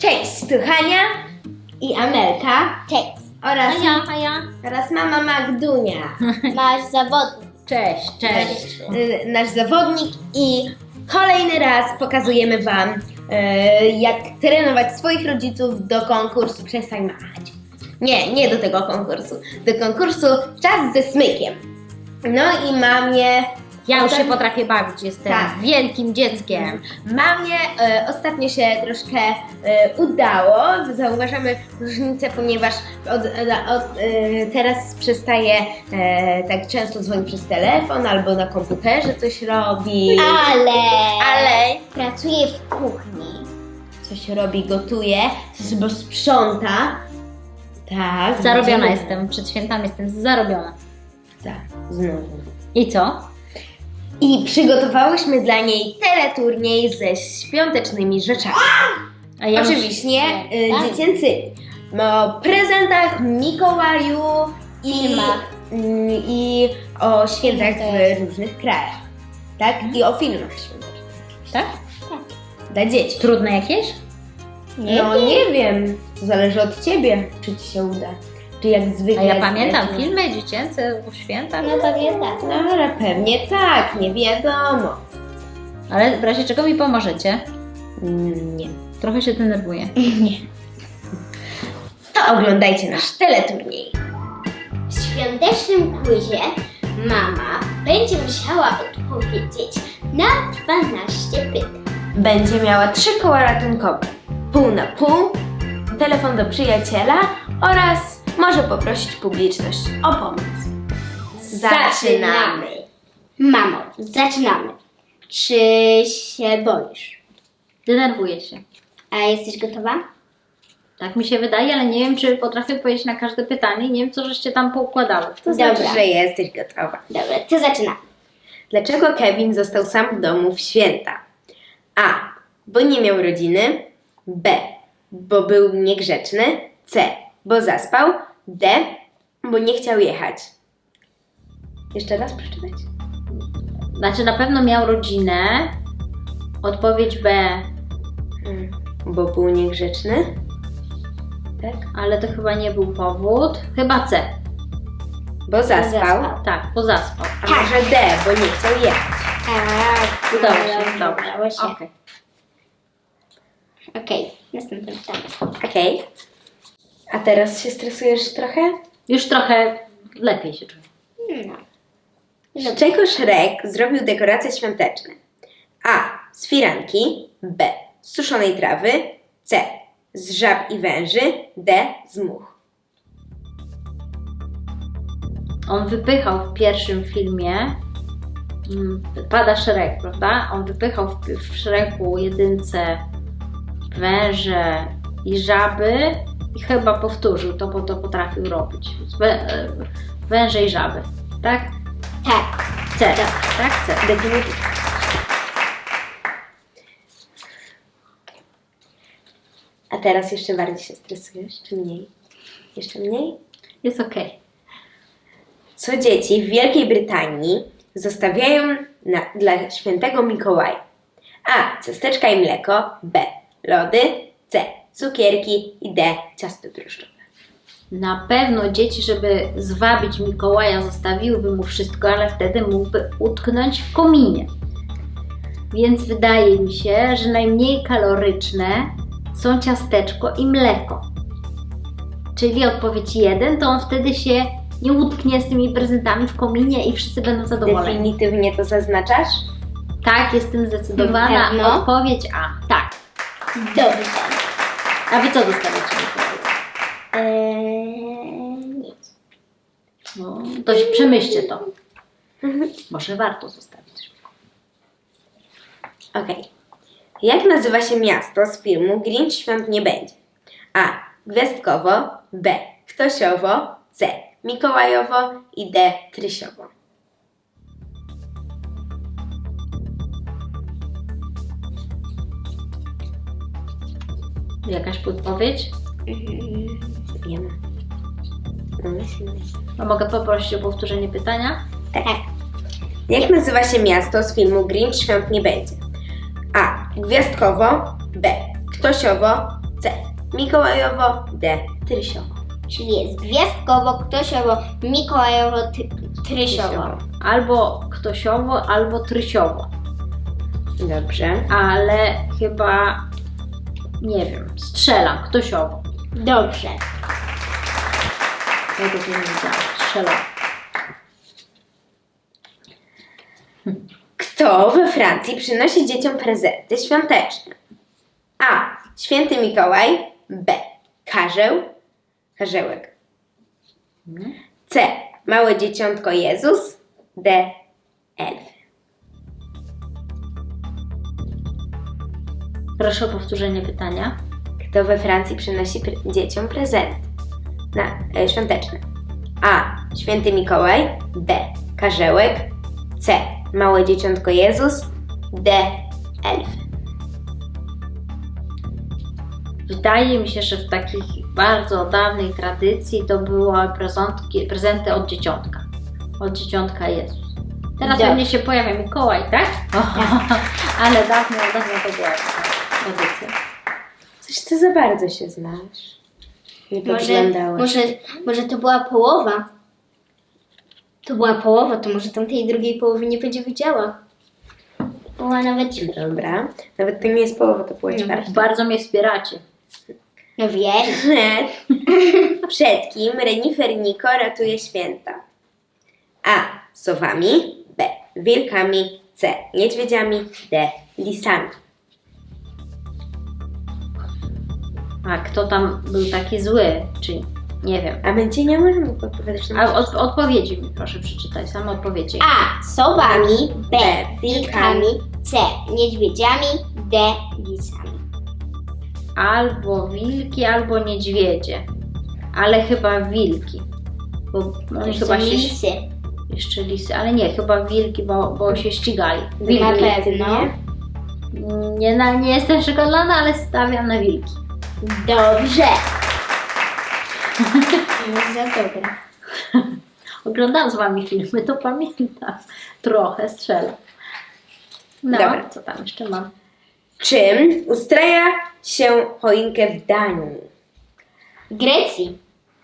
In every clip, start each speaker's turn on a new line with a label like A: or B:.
A: Cześć, tu Hania i Amelka.
B: Cześć.
C: A ja.
A: Oraz mama Magdunia.
B: Nasz zawodnik.
C: Cześć.
A: Nasz zawodnik i kolejny raz pokazujemy Wam, jak trenować swoich rodziców do konkursu. Przestań machać. Nie do tego konkursu. Do konkursu Czas ze smykiem. No i mamie...
C: Ja już się potrafię bawić, jestem
A: Tak.
C: wielkim dzieckiem.
A: Mamie ostatnio się troszkę udało. Zauważamy różnicę, ponieważ teraz przestaje tak często dzwonić przez telefon albo na komputerze coś robi. Ale
B: Pracuję w kuchni.
A: coś robi, gotuje, coś sprząta. Tak.
C: Zarobiona
A: widzimy.
C: jestem, przed świętami jestem zarobiona.
A: Tak, znowu.
C: I co?
A: I przygotowałyśmy dla niej teleturniej ze świątecznymi rzeczami.
C: A ja
A: Oczywiście
B: Tak.
A: dziecięcymi. O prezentach, Mikołaju i o świętach w różnych krajach. Tak? I o filmach świątecznych.
C: Tak?
A: Dla dzieci.
C: Trudne jakieś?
A: Nie wiem. To zależy od Ciebie, czy Ci się uda. Czy jak zwykle...
C: A ja pamiętam
A: zależy-
C: filmy dziecięce o świętach,
B: No pewnie tak.
A: Dobra, pewnie tak, nie wiadomo.
C: ale w razie czego mi pomożecie?
A: Nie.
C: Trochę się denerwuję.
A: To oglądajcie nasz teleturniej.
B: W świątecznym quizie mama będzie musiała odpowiedzieć na 12 pytań.
A: Będzie miała 3 koła ratunkowe. Pół na pół, telefon do przyjaciela oraz może poprosić publiczność o pomoc. Zaczynamy!
B: Mamo, zaczynamy. Czy się boisz?
C: Denerwuję się.
B: A jesteś gotowa?
C: Tak mi się wydaje, ale nie wiem, czy potrafię odpowiedzieć na każde pytanie. Nie wiem, co żeście tam poukładały.
A: To znaczy,
B: Dobra.
A: że jesteś gotowa.
B: Dobra, to zaczynamy.
A: Dlaczego Kevin został sam w domu w święta? A. Bo nie miał rodziny. B. Bo był niegrzeczny. C. Bo zaspał. D. Bo nie chciał jechać. Jeszcze raz przeczytać?
C: Znaczy na pewno miał rodzinę. Odpowiedź B,
A: Bo był niegrzeczny. Tak?
C: ale to chyba nie był powód. Chyba C.
A: Bo zaspał.
B: zaspał.
C: Tak, bo zaspał.
A: A może D. Bo nie chciał jechać.
C: Dobrze.
B: Udało się.
C: Okej.
B: Okej, następne pytanie.
A: Okej. A teraz się stresujesz trochę?
C: Już trochę lepiej się czuję.
B: No.
A: Z czego Shrek zrobił dekoracje świąteczne? A. Z firanki. B. Z suszonej trawy. C. Z żab i węży. D. Z much.
C: On wypychał w pierwszym filmie, pada Shrek, prawda? On wypychał w Shreku jedynce węże i żaby i chyba powtórzył to, bo to potrafił robić. Węże i żaby, tak?
B: Tak.
C: C, tak? C.
A: Definitywnie. A teraz jeszcze bardziej się stresujesz, czy mniej? Jeszcze mniej?
C: Jest okej.
A: Co dzieci w Wielkiej Brytanii zostawiają dla świętego Mikołaja? A. Ciasteczka i mleko. B. Lody. C. Cukierki. I D. Ciasto drożdżowe.
C: Na pewno dzieci, żeby zwabić Mikołaja, zostawiłyby mu wszystko, ale wtedy mógłby utknąć w kominie. Więc wydaje mi się, że najmniej kaloryczne są ciasteczko i mleko. Czyli odpowiedź 1, to on wtedy się nie utknie z tymi prezentami w kominie i wszyscy będą zadowoleni.
A: Definitywnie to zaznaczasz?
C: Tak, jestem zdecydowana.
B: Pewno?
C: Odpowiedź A. Tak.
B: Dobrze.
C: A wy co dostawiacie Mikołaju?
B: Nic.
C: No, to przemyślcie to. Może warto zostawić coś.
A: Okej. Jak nazywa się miasto z filmu Grinch Świąt nie będzie? A. Gwiazdkowo. B. Ktosiowo. C. Mikołajowo. I D. Trysiowo.
C: Jakaś podpowiedź?
A: Wiemy.
C: A mogę poprosić o powtórzenie pytania?
A: Tak. Jak nazywa się miasto z filmu Grinch Świąt nie będzie? A. Gwiazdkowo. B. Ktosiowo. C. mikołajowo, D. Trysiowo.
B: Czyli jest gwiazdkowo, ktosiowo, mikołajowo, trysiowo.
C: Albo ktosiowo, albo trysiowo.
A: Dobrze.
C: Ale chyba, nie wiem, strzelam, ktosiowo.
B: Dobrze.
C: Ja to nie wiedziałam, strzelam.
A: Kto we Francji przynosi dzieciom prezenty świąteczne? A. Święty Mikołaj. B. Karzełek. C. Małe dzieciątko Jezus. D. Elf.
C: Proszę o powtórzenie pytania.
A: Kto we Francji przynosi dzieciom prezenty świąteczne? A. Święty Mikołaj. B. Karzełek. C. Małe dzieciątko Jezus. D. Elf.
C: Wydaje mi się, że w takich bardzo dawnej tradycji to były prezenty od dzieciątka. Od dzieciątka Jezus. Teraz
B: Dobrze.
C: pewnie się pojawia Mikołaj, tak? Ale dawno to była taka tradycja.
A: Coś ty za bardzo się znasz. Nie podglądałeś.
B: Może to była połowa. To była połowa, to może tam tej drugiej połowy nie będzie widziała. Była nawet...
A: Dobra. Nawet to nie jest połowa, to była ćwiartka.
C: Bardzo mnie wspieracie.
B: No wiem.
A: Przed kim renifer Niko ratuje święta? A. Sowami. B. Wilkami. C. Niedźwiedziami. D. Lisami.
C: A kto tam był taki zły? Czy nie wiem.
A: A my ci nie możemy odpowiadać na
C: A odpowiedzi mi proszę przeczytaj, same odpowiedzi.
B: A. Sowami. B. Wilkami. C. Niedźwiedziami. D. Lisami.
C: Albo wilki, albo niedźwiedzie. Ale chyba wilki. Bo oni
B: To
C: chyba
B: są
C: się...
B: lisy.
C: Jeszcze lisy, ale nie, chyba wilki, bo się ścigali.
B: Na
C: Wilki.
B: pewno.
C: Nie jestem przekonana, ale stawiam na wilki.
B: Dobrze. No za dobre.
C: Oglądałam z wami filmy, to pamiętam. Trochę strzelam. No,
A: Dobra.
C: co tam jeszcze mam?
A: Czym ustraja się choinkę w Danii?
B: W Grecji.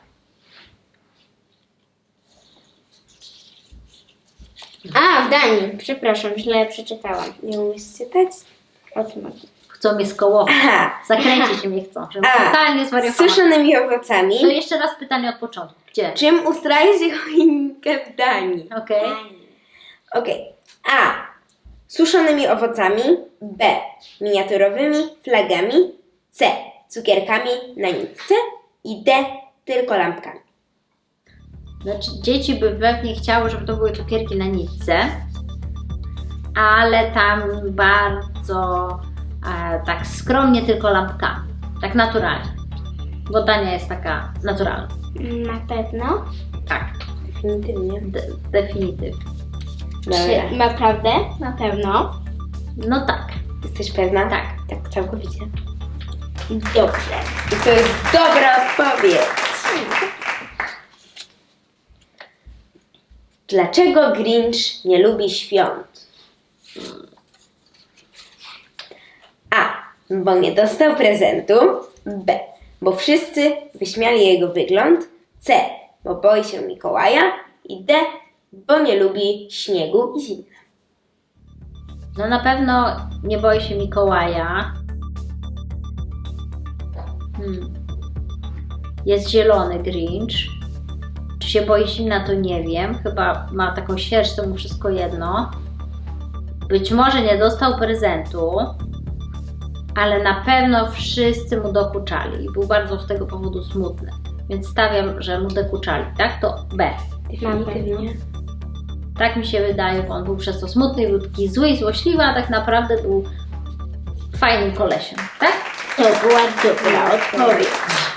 B: A, w Danii. Przepraszam, źle przeczytałam.
A: Nie umiesz czytać?
B: O tym chodzi.
C: Chcą mnie skołować.
A: Aha.
C: Zakręcić mnie chcą, żebym
A: A.
C: totalnie
A: Z
C: zwariowała.
A: suszonymi owocami.
C: To jeszcze raz pytanie od początku. Gdzie?
A: Czym ustraja się choinkę w Danii?
C: Okej.
A: Okej. A. Suszonymi owocami. B. Miniaturowymi flagami. C. Cukierkami na nitce. I D. Tylko lampkami.
C: Znaczy, dzieci by pewnie chciały, żeby to były cukierki na nitce, ale tam bardzo tak skromnie tylko lampkami. Tak naturalnie. Bo Dania jest taka naturalna.
B: Na pewno.
C: Tak,
A: Definitywnie.
C: definitywnie.
A: Dobra.
B: Czy naprawdę? Na pewno.
C: No tak.
A: Jesteś pewna?
C: Tak.
A: Tak, całkowicie.
B: Dobrze.
A: I to jest dobra odpowiedź. Dlaczego Grinch nie lubi świąt? A. Bo nie dostał prezentu. B. Bo wszyscy wyśmiali jego wygląd. C. Bo boi się Mikołaja. I D. Bo nie lubi śniegu i zimy.
C: No na pewno nie boi się Mikołaja. Jest zielony Grinch. Czy się boi zimna, to nie wiem. Chyba ma taką sierść, to mu wszystko jedno. Być może nie dostał prezentu, ale na pewno wszyscy mu dokuczali i był bardzo z tego powodu smutny. Więc stawiam, że mu dokuczali, tak? To B.
A: Definitywnie.
C: Tak mi się wydaje, bo on był przez to smutny i był taki zły i złośliwy, a tak naprawdę był fajnym kolesiem, tak?
B: To była dobra odpowiedź.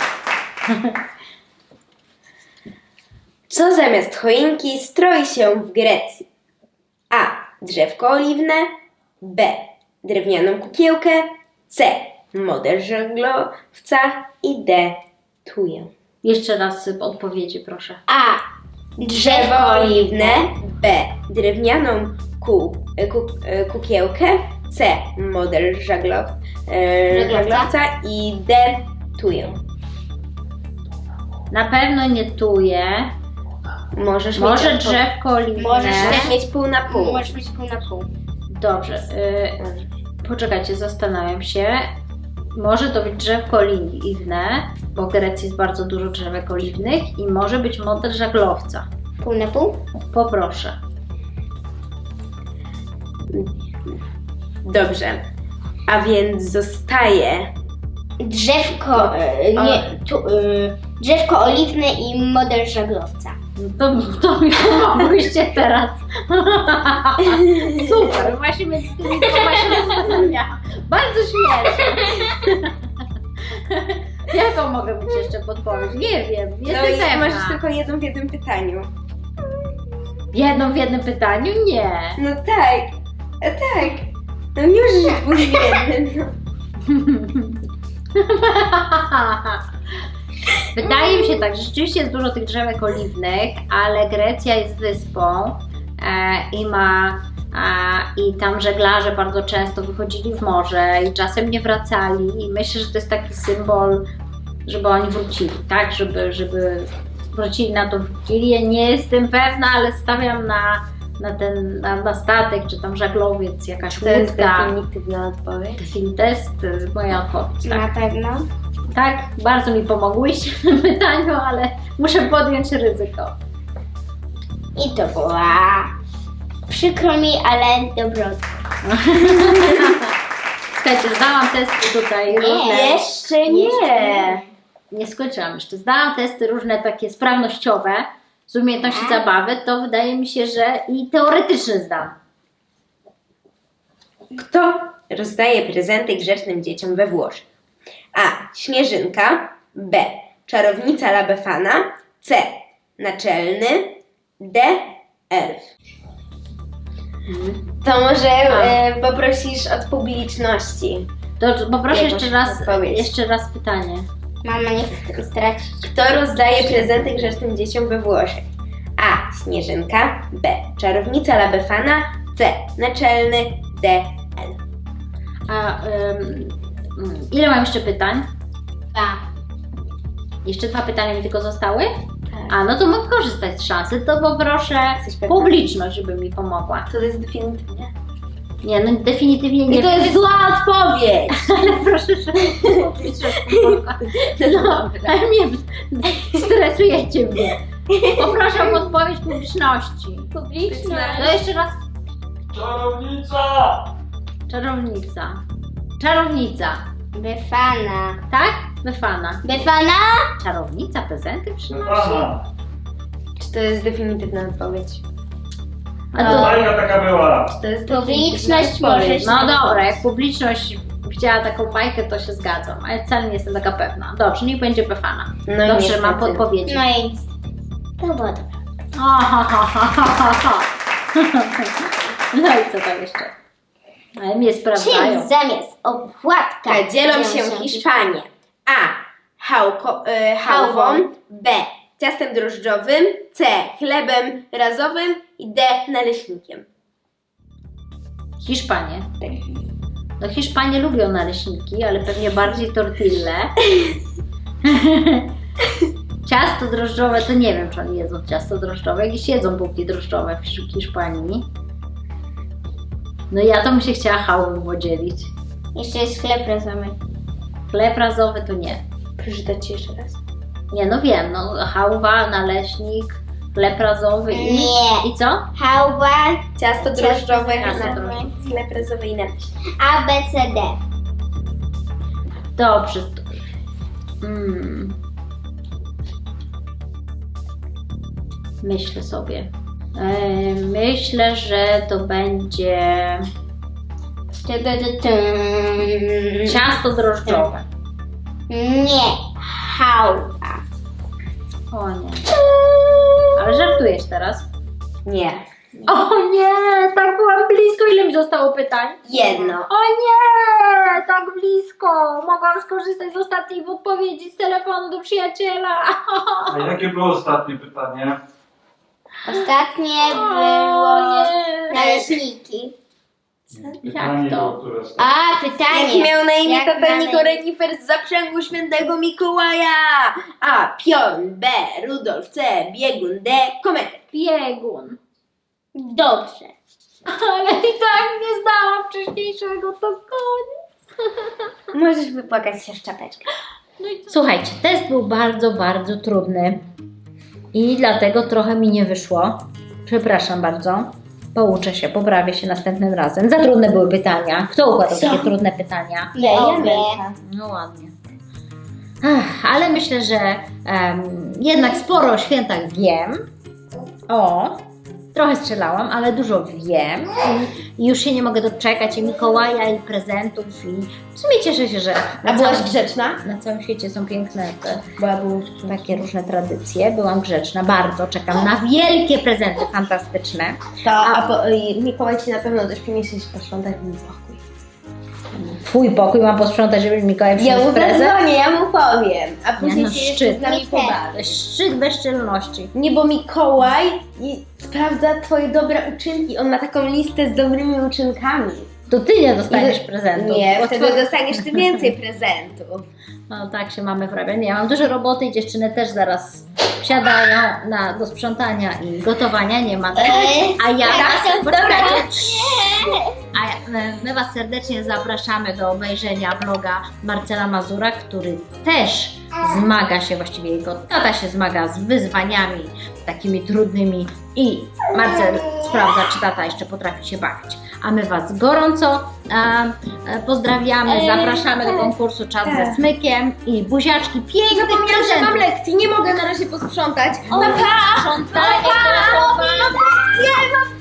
A: Co zamiast choinki stroi się w Grecji? A. Drzewko oliwne. B. Drewnianą kukiełkę. C. Model żaglowca. I D. Tuję.
C: Jeszcze raz odpowiedzi, proszę.
B: A.
A: Drzewo oliwne. B. Drewnianą kukiełkę. C. Model żaglowca. I D. tuję.
C: Na pewno nie tuje.
A: Możesz
C: Może
A: mieć
C: drzewko oliwne.
A: Możesz mieć pół na pół.
B: Możesz mieć pół na pół.
C: Dobrze. Poczekajcie, zastanawiam się. Może to być drzewko oliwne, bo w Grecji jest bardzo dużo drzewek oliwnych i może być model żaglowca.
B: Pół na pół?
C: Poproszę.
A: Dobrze. A więc zostaje
B: Drzewko, drzewko oliwne i model żaglowca.
C: To mi pomogłyście teraz. Super, właśnie między tymi dwoma się zastanawiałam. Bardzo śmieszne. Jaką mogę być jeszcze podpowiedź? Nie wiem, jestem pewna.
A: Możesz tylko jedną w jednym pytaniu.
C: Jedną w jednym pytaniu? Nie.
A: No tak. Tak. No nie możesz dwóch w jednym.
C: Wydaje mi się tak, że rzeczywiście jest dużo tych drzewek oliwnych, ale Grecja jest wyspą i tam żeglarze bardzo często wychodzili w morze i czasem nie wracali i myślę, że to jest taki symbol, żeby oni wrócili, tak? Żeby wrócili na tą wigilię. Nie jestem pewna, ale stawiam na statek, czy tam żaglowiec, jakaś
A: To jest
C: łódka.
A: definitywna odpowiedź.
C: To jest moja odpowiedź, tak?
B: Na pewno.
C: Tak, bardzo mi pomogłyście w tym pytaniu, ale muszę podjąć ryzyko.
B: I to była przykro mi, ale dobrotka.
C: Słuchajcie, zdałam testy tutaj różne.
A: Jeszcze nie.
C: Nie skończyłam jeszcze. Zdałam testy różne takie sprawnościowe z umiejętności zabawy, to wydaje mi się, że i teoretyczne zdam.
A: Kto rozdaje prezenty grzecznym dzieciom we Włoszech? A. Śnieżynka. B. Czarownica La Befana. C. Naczelny. D. Elf. To może poprosisz od publiczności.
C: To poproszę
A: Jakąś odpowiedź.
C: jeszcze raz pytanie.
B: Mama nie chce stracić.
A: Kto rozdaje prezenty grzecznym dzieciom we Włoszech? A. Śnieżynka. B. Czarownica La Befana. C. Naczelny. D. Elf.
C: Ile mam jeszcze pytań?
B: Dwa.
C: Jeszcze 2 pytania mi tylko zostały?
A: Tak.
C: A, no to mogę korzystać z szansy, to poproszę
A: Jesteś pewna?
C: publiczność, żeby mi pomogła.
A: To jest definitywnie.
C: Nie, no definitywnie nie.
A: I to jest zła odpowiedź!
C: Ale proszę, żeby publiczność pomogła. No, ale mnie stresujecie mnie. Poproszę o odpowiedź publiczności.
B: Publiczność.
C: No jeszcze raz.
D: Czarownica!
C: Czarownica. Czarownica.
B: Befana.
C: Tak? Befana.
B: Befana?
C: Czarownica prezenty przynosi?
D: Pana!
A: Czy to jest definitywna odpowiedź?
C: A to...
D: Bajka taka była!
A: Czy to jest
B: Publiczność
A: definitywna odpowiedź?
B: może
C: No dobra, jak publiczność widziała taką bajkę, to się zgadzam, ale wcale nie jestem taka pewna. Dobrze, niech będzie Befana.
A: No
C: Dobrze,
A: niestety.
C: mam podpowiedzi.
B: No i to było dobre.
C: No i co tam jeszcze? Ale mnie sprawdzają.
B: Czym zamiast opłatka
A: Dzielą się Hiszpanie. A. Chałwą. B. Ciastem drożdżowym. C. Chlebem razowym. I D. Naleśnikiem.
C: Hiszpanie. No Hiszpanie lubią naleśniki, ale pewnie bardziej tortille. Ciasto drożdżowe to nie wiem, czy oni jedzą ciasto drożdżowe. Jakieś jedzą bułki drożdżowe w Hiszpanii. No ja to bym się chciała chałwą podzielić.
B: Jeszcze jest chleb razowy.
C: Chleb razowy to nie.
A: Proszę dać ci jeszcze raz.
C: Nie, no wiem, no chałwa, naleśnik, chleb razowy i...
B: Nie.
C: I co?
B: Chałwa,
A: Ciasto drożdżowe.
C: Ciasto
A: na-
C: drożdżowe.
A: Chleb razowy i naleśnik.
B: A, B, C, D.
C: Dobrze. Myślę sobie. Myślę, że to będzie ciasto drożdżowe.
B: Nie. Chałwa.
C: O nie. Ale żartujesz teraz?
A: Nie.
C: O nie, tak byłam blisko. Ile mi zostało pytań?
A: Jedno.
C: O nie, tak blisko. Mogłam skorzystać z ostatniej odpowiedzi z telefonu do przyjaciela.
D: A jakie było ostatnie pytanie?
B: Ostatnie
C: O
B: było
C: nie.
B: naleśniki.
D: Pytanie,
C: to?
D: które jest...
B: A, pytanie.
A: Jak miał na imię
B: Jak
A: tata
B: dalej?
A: Niko Renifer z zaprzęgu świętego Mikołaja? A. Pion. B. Rudolf. C. Biegun. D. Kometa.
C: Biegun.
B: Dobrze.
C: Ale i tak nie zdałam wcześniejszego, to koniec.
B: Możesz wypłakać się w czapeczkę.
C: Słuchajcie, test był bardzo, bardzo trudny i dlatego trochę mi nie wyszło. Przepraszam bardzo. Pouczę się, poprawię się następnym razem. Za trudne były pytania. Kto układał takie trudne pytania?
A: Ja
B: Obie.
C: No ładnie. Ale myślę, że jednak sporo o świętach wiem. Trochę strzelałam, ale dużo wiem. I już się nie mogę doczekać i Mikołaja, i prezentów. I w sumie cieszę się, że
A: A byłaś grzeczna?
C: na całym świecie są piękne takie różne tradycje. Byłam grzeczna, bardzo czekam na wielkie prezenty fantastyczne.
A: Mikołaj ci na pewno też przyniesie posprzątać mój pokój.
C: Twój pokój mam posprzątać, żeby Mikołaj
A: Ja
C: przyniósł
A: mu
C: prezent.
A: zadzwonię, ja mu powiem, a później
C: no,
A: się jeszcze
C: szczyt.
A: z nami
B: Nie
A: pobawi.
C: To jest szczyt bezczelności.
A: Nie, bo Mikołaj sprawdza twoje dobre uczynki. On ma taką listę z dobrymi uczynkami.
C: To ty nie dostaniesz prezentu.
A: Nie,
C: bo
A: wtedy
C: twoje-
A: dostaniesz ty więcej prezentów.
C: No tak się mamy wrabiać. Ja mam dużo roboty i dziewczyny też zaraz wsiadają do sprzątania i gotowania. Nie ma tego. A ja my Was serdecznie zapraszamy do obejrzenia vloga Marcela Mazura, który też zmaga się, właściwie jego tata się zmaga z wyzwaniami takimi trudnymi i Marcel sprawdza, czy tata jeszcze potrafi się bawić. A my Was gorąco pozdrawiamy, zapraszamy do konkursu Czas ze Smykiem i buziaczki pięknych
A: Zapomniałam, że mam
C: prezentów.
A: lekcję, nie mogę na razie posprzątać.
C: Sprzątanie,
A: Pa, pa, pa, pa, pa, pa, pa, pa, pa, pa, pa, pa, pa, pa, pa, pa, pa,